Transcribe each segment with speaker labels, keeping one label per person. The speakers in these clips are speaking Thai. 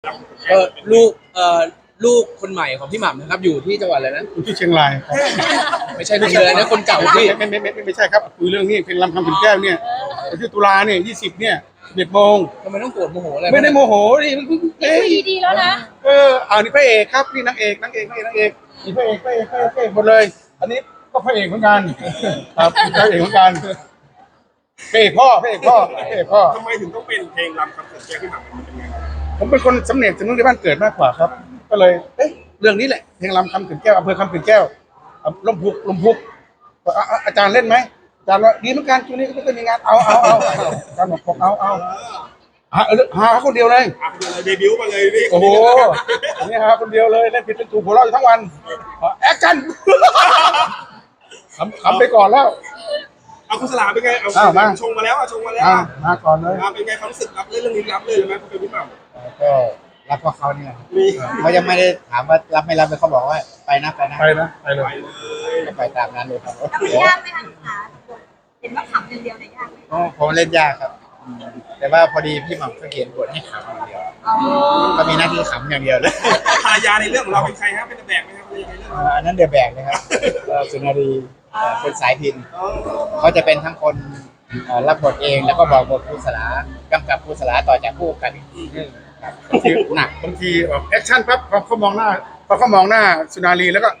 Speaker 1: ก็ลูกลูกคนใหม่ของพี่หม่ำนะครับอยู่ที่จังหวัดอะไรนะ
Speaker 2: อยู่ที่เชียงรายครับ
Speaker 1: ไม่ใช่ลูกเลยนะคนเก่าพี่
Speaker 2: ไม่ใช่ครับคุยเรื่องนี้เพลงลำคำขุนแก้วเนี่ยวันที่ตุลาเนี่ย20เนี่ย11 โมง
Speaker 1: ทำไมต้องโกรธโมโหอะไร
Speaker 2: ไม่ได้โมโหนี่
Speaker 3: คุยดีๆแล้วนะ
Speaker 2: นี่พระเอกครับนี่นางเอกนี่พระเอกหมดเลยอันนี้ก็พระเอกเหมือนกันครับพระเอกเหมือนกันพระเอกพ่อ
Speaker 4: ทำไมถึงต้องเป็นเพลงรำคำเกิดแก้วที่หนังมันเป็นไง
Speaker 2: ผมเป็นคนสำเนียงจากนู้นที่บ้านเกิดมากกว่าครับก็เลยเรื่องนี้แหละเพลงลำคำขุนแก้วอำเภอคำขุนแก้วลมพุกอาจารย์เล่นไหมอาจารย์ว่าดีเหมือนกันช่วงนี้ก็เป็นงานเอาอาจารย์บอกเอาหาคนเดียวเลย
Speaker 4: เดบิวต์มาเลยนี่
Speaker 2: โอ้โหนี่หาคนเดียวเลยเล่นผิดเป็นถูกหัวเราะอยู่ทั้งวันแอคชั่นขำไปก่อนแล้ว
Speaker 4: เอาคุณสลาเป็นไงเอาชงมาแล้ว
Speaker 2: มาก่อนเลย
Speaker 4: เป็นไงความรู้สึกรับเรื่องนี้รับเลยไหมคุณพี่หม่ำ
Speaker 5: ก็รับเพราะเขาเนี่ยเขายังไม่ได้ถามว่ารับไม่รับเลยเขาบอกว่าไปนะ
Speaker 2: เลย
Speaker 5: ก็ไปตามนั้นเลยครับ
Speaker 3: แล้วมันยากไหมคะขาเห็นว่าขำอย่างเดียวเนี่ยยากไหม
Speaker 5: ผมเล่นยากครับแต่ว่าพอดีพี่หม่ำเขาเขียนบทให้ขำอย่างเดียวก็มีหน้าที่ขำอย่างเดียวเลย
Speaker 4: ภรรยาในเรื่องของเราเป็นใครครับเป็นแบกไหมครับภรรยาในเรื่อง
Speaker 5: อันนั้นเดือแบกนะครับสุนารีเป็นสายพินเขาจะเป็นทั้งคนรับบทเองแล้วก็บอกบทครูสลากำกับครูสลาต่อจากผู้กันอีกทีนึง
Speaker 2: หนักบางทีแบบแอคชั่นปั๊บพอเขามองหน้าสุนารีแล้วก็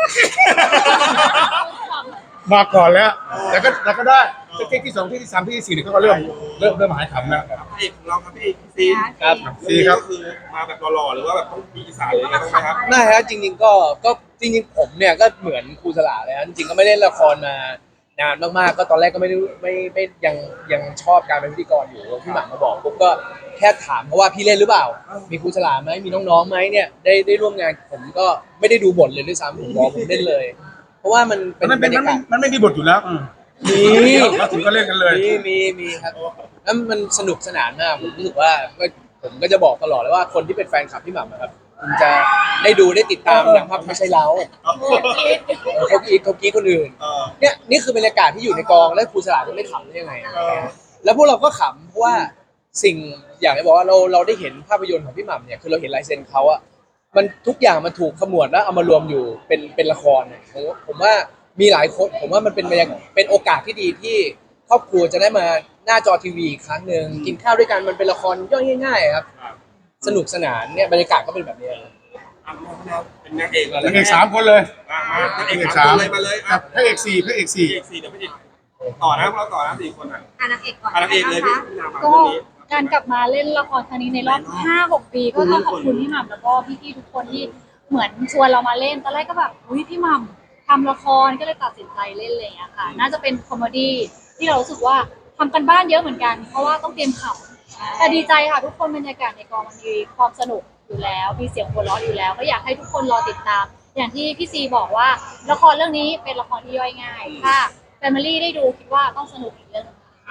Speaker 2: มาก่อนแล้วแต่ก็ได้เทคที่2ที่3ที่4เนี่ยเขาก็เริ่มหายขำแล้ว
Speaker 4: เอกเราครับพี่ซี
Speaker 1: ครับ
Speaker 2: ซีครับ
Speaker 4: คือมาแบบหล่อๆหรือว่าแบบต้องมีอีสานเลยนะครับ
Speaker 1: น่าฮะจริงๆก็จริงๆผมเนี่ยก็เหมือนครูสลาเลยนะจริงๆก็ไม่เล่นละครมานานมากๆก็ตอนแรกก็ไม่ยังชอบการเป็นพิธีกรอยู่พี่หม่ำมาบอกปุ๊บก็แค่ถามเพราะว่าพี่เล่นหรือเปล่ามีครูสลาไหมมีน้องๆไหมเนี่ยได้ร่วมงานผมก็ไม่ได้ดูบทเลยด้วยซ้ำผมบอกผมเล่นเลยเพราะว่ามันเป็นบรรยากาศ
Speaker 2: มันไม่มีบทอยู่แล้ว
Speaker 1: มี
Speaker 2: เราถึงก็เล่นกันเลย
Speaker 1: มีครับแล้วมันสนุกสนานมากผมรู้สึกว่าผมก็จะบอกตลอดเลยว่าคนที่เป็นแฟนคลับพี่หม่ำนะครับคุณจะได้ดูได้ติดตามอย่างภาพไม่ใช่เราเขากรีดคนอื่นเนี่ยนี่คือบรรยากาศที่อยู่ในกองแล้วครูสลาจะไม่ขำได้ยังไงแล้วพวกเราก็ขำเพราะว่าสิ่งอย่างที่บอกว่าเราได้เห็นภาพยนตร์ของพี่หม่ำเนี่ยคือเราเห็นลายเซ็นเขาอะมันทุกอย่างมันถูกขมวดแล้วเอามารวมอยู่เป็นละครผมว่ามีหลายคนผมว่ามันเป็นโอกาสที่ดีที่ครอบครัวจะได้มาหน้าจอทีวีอีกครั้งหนึ่งกินข้าวด้วยกันมันเป็นละครย่อยง่ายๆครับสนุกสนานเนี่ยบรรยากาศก็เป็นแบบนี้
Speaker 4: เป็นนางเอก
Speaker 2: 3 คนเลย
Speaker 4: นางเอก3เลยมาเลย
Speaker 2: พระเอก4
Speaker 4: เดี๋ยวพี่ต่อนะเราต่อนะ4 คน
Speaker 3: นางเอกก่อน
Speaker 4: นางเอกเลย
Speaker 6: ก็การกลับมาเล่นละครครั้งนี้ในรอบ 5-6 ปีก็ต้องขอบคุณพี่หม่ำแล้วก็พี่ๆทุกคนที่เหมือนชวนเรามาเล่นตอนแรกก็แบบอุ้ยพี่หม่ำทำละครก็เลยตัดสินใจเล่นเลยอะค่ะน่าจะเป็นคอมเมดี้ที่เรารู้สึกว่าทำกันบ้านเยอะเหมือนกันเพราะว่าต้องเตรียมข่าวแต่ดีใจค่ะทุกคนบรรยากาศในกองมันมีความสนุกอยู่แล้วมีเสียงหัวเราะอยู่แล้วก็อยากให้ทุกคนรอติดตามอย่างที่พี่ซีบอกว่าละครเรื่องนี้เป็นละครที่ย่อยง่ายถ้าแฟมิลี่ได้ดูคิดว่าต้องสนุกอีกเรื่อง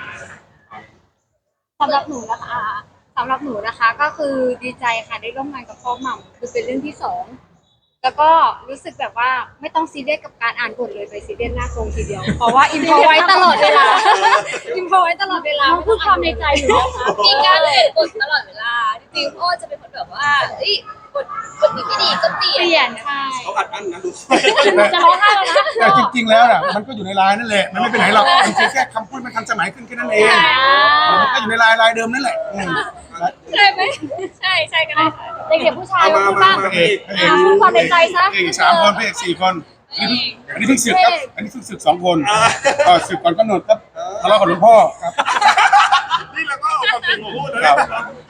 Speaker 6: สำหรับหนูนะคะก็คือดีใจค่ะได้ร่วมงานกับพ่อหม่ำคือเป็นเรื่องที่2แล้วก็รู้สึกแบบว่าไม่ต้องซีเรียสกับการอ่านบทเลยไปซีเรียสหน้ากรงทีเดียวเพราะว่าอินโฟไว้ตลอดเวลาพูดความในใจอยู่นะคะ
Speaker 3: มีการเปลี่ยนบทตลอดเวลาจริงๆพ่อจะเป็นคนแบบว่าบทนี้ไม่ดีก็เปลี่ยน
Speaker 6: ใช่
Speaker 4: เขาอัดอั้นนะดู
Speaker 6: จะร้องไห้แล้วนะ
Speaker 2: แต่จริงๆแล้วน่ะมันก็อยู่ในไลน์นั่นแหละมันไม่ไปไหนหรอกมันแค่คำพูดมันทันสมัยขึ้นแค่นั้นเองมันก็อยู่ในไลน์เดิมนั่นแหละ
Speaker 3: ใช่ไหมใช่กันเลย
Speaker 6: เด็กผู้ชายพูดบ้างพูดความในใจซะ
Speaker 2: 3 คนพระเอก4 คนอันนี้เพิ่งศึกครับอันนี้เพิ่งศึก2 คนศึกก่อนกำหนดครับทะเลาะกับหลวงพ่อครับ
Speaker 4: นี่เราก็เอาความจริงมาพูดนะครับ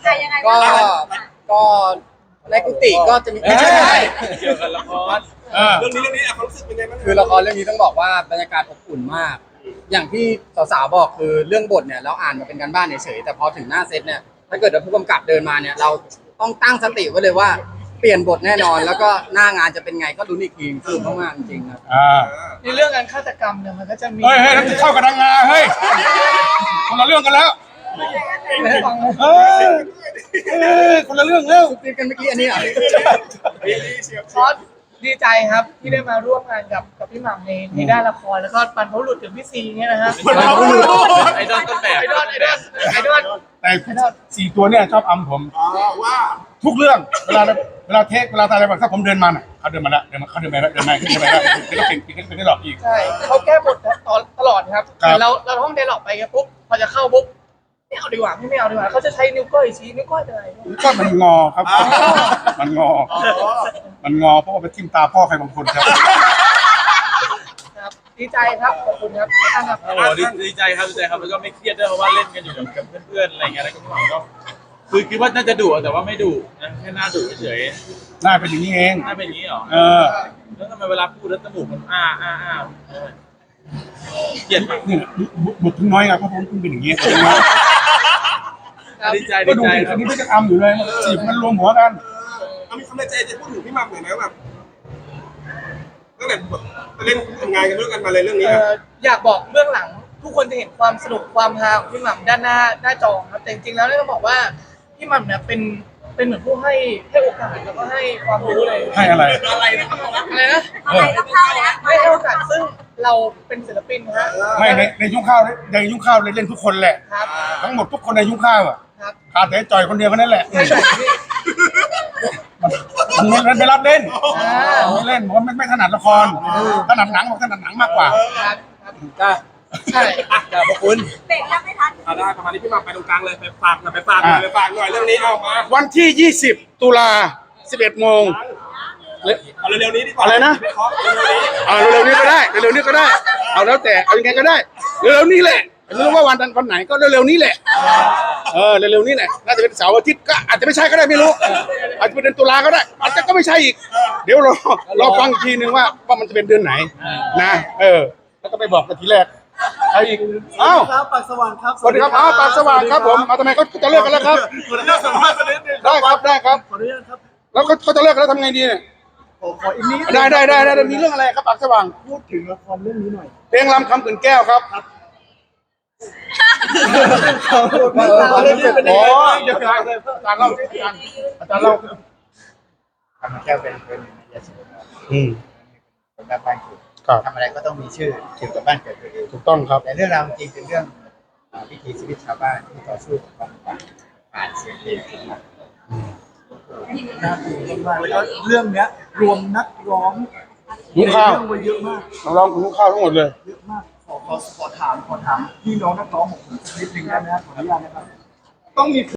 Speaker 1: ก็ในกุฏิก็จะมีไม่ใช่เกี่ยวกับละคร
Speaker 4: เรื่องนี้ความรู้สึกเป็นไงบ้าง
Speaker 5: คือละครเรื่องนี้ต้องบอกว่าบรรยากาศอบอุ่นมากอย่างที่สาวๆบอกคือเรื่องบทเนี่ยเราอ่านมาเป็นการบ้านเฉยๆแต่พอถึงหน้าเซตเนี่ยถ้าเกิดผู้กำกับเดินมาเนี่ยเราต้องตั้งสติไว้เลยว่าเปลี่ยนบทแน่นอนแล้วก็หน้างานจะเป็นไงก็ลุ้นอีกทีคือมากๆจริงๆครับ
Speaker 1: ในเรื่องการฆาตกรรมเนี่ยมันก็จะมี
Speaker 2: เฮ้ยนั่นเข้ากับนางงาเฮ้ยคนละเรื่องกันแล้วคนละเรื่องแล้ว
Speaker 1: ตีกันเมื่อกี้อันนี้ดีใจครับที่ได้มาร่วมงานกับพี่หม่ำในด้านละครแล้วก็บรรพบุรุษถึงพี่ซีเนี่ยนะฮะไอดอลต้นแบบไอดอล
Speaker 2: แต่4 ตัวเนี่ยชอบอำผม
Speaker 4: ว่า
Speaker 2: ทุกเรื่องเวลาเทคเวลาอะไรแบบถ้าผมเดินมาน่ะเขาเดินมาแล้วเขาเดินมาแล้วเดินมาแล้วเก่งได้หลอกอีก
Speaker 7: ใช่เขาแก้บทตลอดครับ
Speaker 2: ครับ
Speaker 7: เราท่องไดร็อกไปครับปุ๊บพอจะเข้าปุ๊บไม่เอาดีกว่าไม่เอาดีกว่าเขาจะใช้นิ้วก้อยชี้นิ้วก้อยอะไร
Speaker 2: ก็มันงอครับ มันงอเพราะว่าไปทิ่มตาพ่อใครบางคนครับ
Speaker 7: ครับดีใจครับขอบคุณครับท่านครับ
Speaker 8: โอ้โหดีใจครับแล้วก็ไม่เครียดด้วยเพราะว่าเล่นกันอยู่กับเพื่อนๆอะไรเงี้ยแล้วก็พี่หม่ำก็คือคิดว่าน่าจะดุแต่ว่าไม่ดุนะแค่หน้าดุเฉย
Speaker 2: หน้าเป็นอย่างนี้เอง
Speaker 8: ๆหน้าเป็นอย่างนี้เหรอ
Speaker 2: เออ
Speaker 8: แล้วทำไมเวลาพูดแล้วจมูกมันเกลียดมาก
Speaker 2: นี่บุกถึงน้อยไงเพราะผมเป็นอย่างนี้
Speaker 8: ดีใจ
Speaker 2: ก็
Speaker 8: ดี
Speaker 2: ดู
Speaker 8: ใจ
Speaker 2: สิ
Speaker 8: ครั
Speaker 2: อั
Speaker 8: บ
Speaker 2: นนี้ไม่จะอำอยู่เลยจีบมันรวมหัวกัน
Speaker 4: เอามีคำในใจจะพูดถึงพี่หม่ำหน่อยไหมแบบตั้งแต่แบบเล่นทำงานกันด้วยกันมาเลยเรื่องนี้ครับ
Speaker 7: อยากบอกเบื้องหลังทุกคนจะเห็นความสนุกความฮาของพี่หม่ำด้านหน้าจอครับแต่จริงๆแล้วเนี่ยต้องบอกว่าพี่หม่ำเนี่ยเป็นเหมือนผู้ให้โอกาสแล้วก็ให้ความรู้เลย
Speaker 2: ให้อะไร
Speaker 4: อะไรนะครับ
Speaker 7: อะไรนะ
Speaker 2: เออ
Speaker 7: ให้โอกาสซึ่งเราเป็นศิลปินนะฮะ
Speaker 2: ไม่ในยุ้งข้าวเลยเล่นทุกคนแหละ
Speaker 7: ครับ
Speaker 2: ทั้งหมดทุกคนในยุ้งข้าวอ่ะ
Speaker 7: ครับ
Speaker 2: ขาดแต่จอยคนเดียวแค่นั้นแหละ
Speaker 7: ใช่ใช่พี่
Speaker 2: มันไม่รับเล่น
Speaker 7: อ่า
Speaker 2: ไม่เล่นเพราะไม่ถนัดละครถนัดหนังบอกถนัดหนังมากกว่า
Speaker 7: ครับครับ
Speaker 1: จ้า
Speaker 7: ใช่
Speaker 1: จ้าพระคุณ
Speaker 4: เอาได้ประมาณนี้พี่หม่ำไปตรงกลางเลยไปฝากหน่อยเรื่องนี้เอามา
Speaker 2: วันที่ 20 ตุลา 11 โมง
Speaker 4: เอาเร็วๆนี้ดีกว่า
Speaker 2: อะไรนะ
Speaker 4: ไม่เคาะเร็วๆนี้
Speaker 2: เร็วๆนี้ก็ได้เร็วๆนี้ก็ได้ เอาแล้วแต่เอายังไงก็ได้เร็วๆนี้แหละไม่รู้ว่าวันไหนก็เร็วๆนี้แหละเร็วๆนี้แหละน่าจะเป็นเสาร์อาทิตย์ก็อาจจะไม่ใช่ก็ได้ไม่รู้อาจจะเป็นเดือนตุลาก็ได้อาจจะก็ไม่ใช่อีก เดี๋ยวรอฟังอีกทีนึงว่ามันจะเป็นเดือนไหนนะแล้วก็ไปบอกกันทีแรกใครอีกอ้าว
Speaker 9: ครับปากสว่างครับ
Speaker 2: สวัสดีครับอ้าวปากสว่างครับผมทำไมเขาจะเลิกกันแล้วครับ
Speaker 4: ขออนุญาตสัมภาษณ์สักนิดนึง
Speaker 2: ได้ครับ
Speaker 9: ขออนุญาตครับ
Speaker 2: แล้วเขาจะเลิกกันแล้วทำไงดีเนี่ย
Speaker 9: ขออีกนิด
Speaker 2: ได้มีเรื่องอะไรครับปากสว่าง
Speaker 9: พูดถึงละครเรื่องนี้หน่อย
Speaker 2: เพลงลำคำขืนแก้วครับ
Speaker 9: เรื่องนี้เป็นยัง
Speaker 2: อ๋อ
Speaker 9: ไง
Speaker 2: เดี๋ยวอาจารย์เล่าสิอาจารย์เล่า
Speaker 10: ทำแก้วเป็นยาสูบ เป็นแบบบ้านเกิด
Speaker 2: ครับ
Speaker 10: ทำอะไรก็ต้องมีชื่อเกี่ยวกับบ้านเกิดตัวเอง
Speaker 2: ถูกต้องครับ
Speaker 10: แต่เรื่องราวจริงเป็นเรื่องวิถีชีวิตชาวบ้านที่ต่อสู้กับความลำบากผ่านเสียงเพลงขึ้นมา
Speaker 9: น่าตื่นเต้นมากแล้วก็เรื่องเนี้ยรวมนักร้อง
Speaker 2: ยุ้งข้าว
Speaker 9: ในเรื่องไว้เยอะมาก
Speaker 2: น้องร้องของยุ้งข้าวทั้งหมดเลย
Speaker 9: เยอะมากขอถามพี่น้องนักร้องของผมสักนิดนึงได้ไหมครับขออนุญาตนะครับต้องมี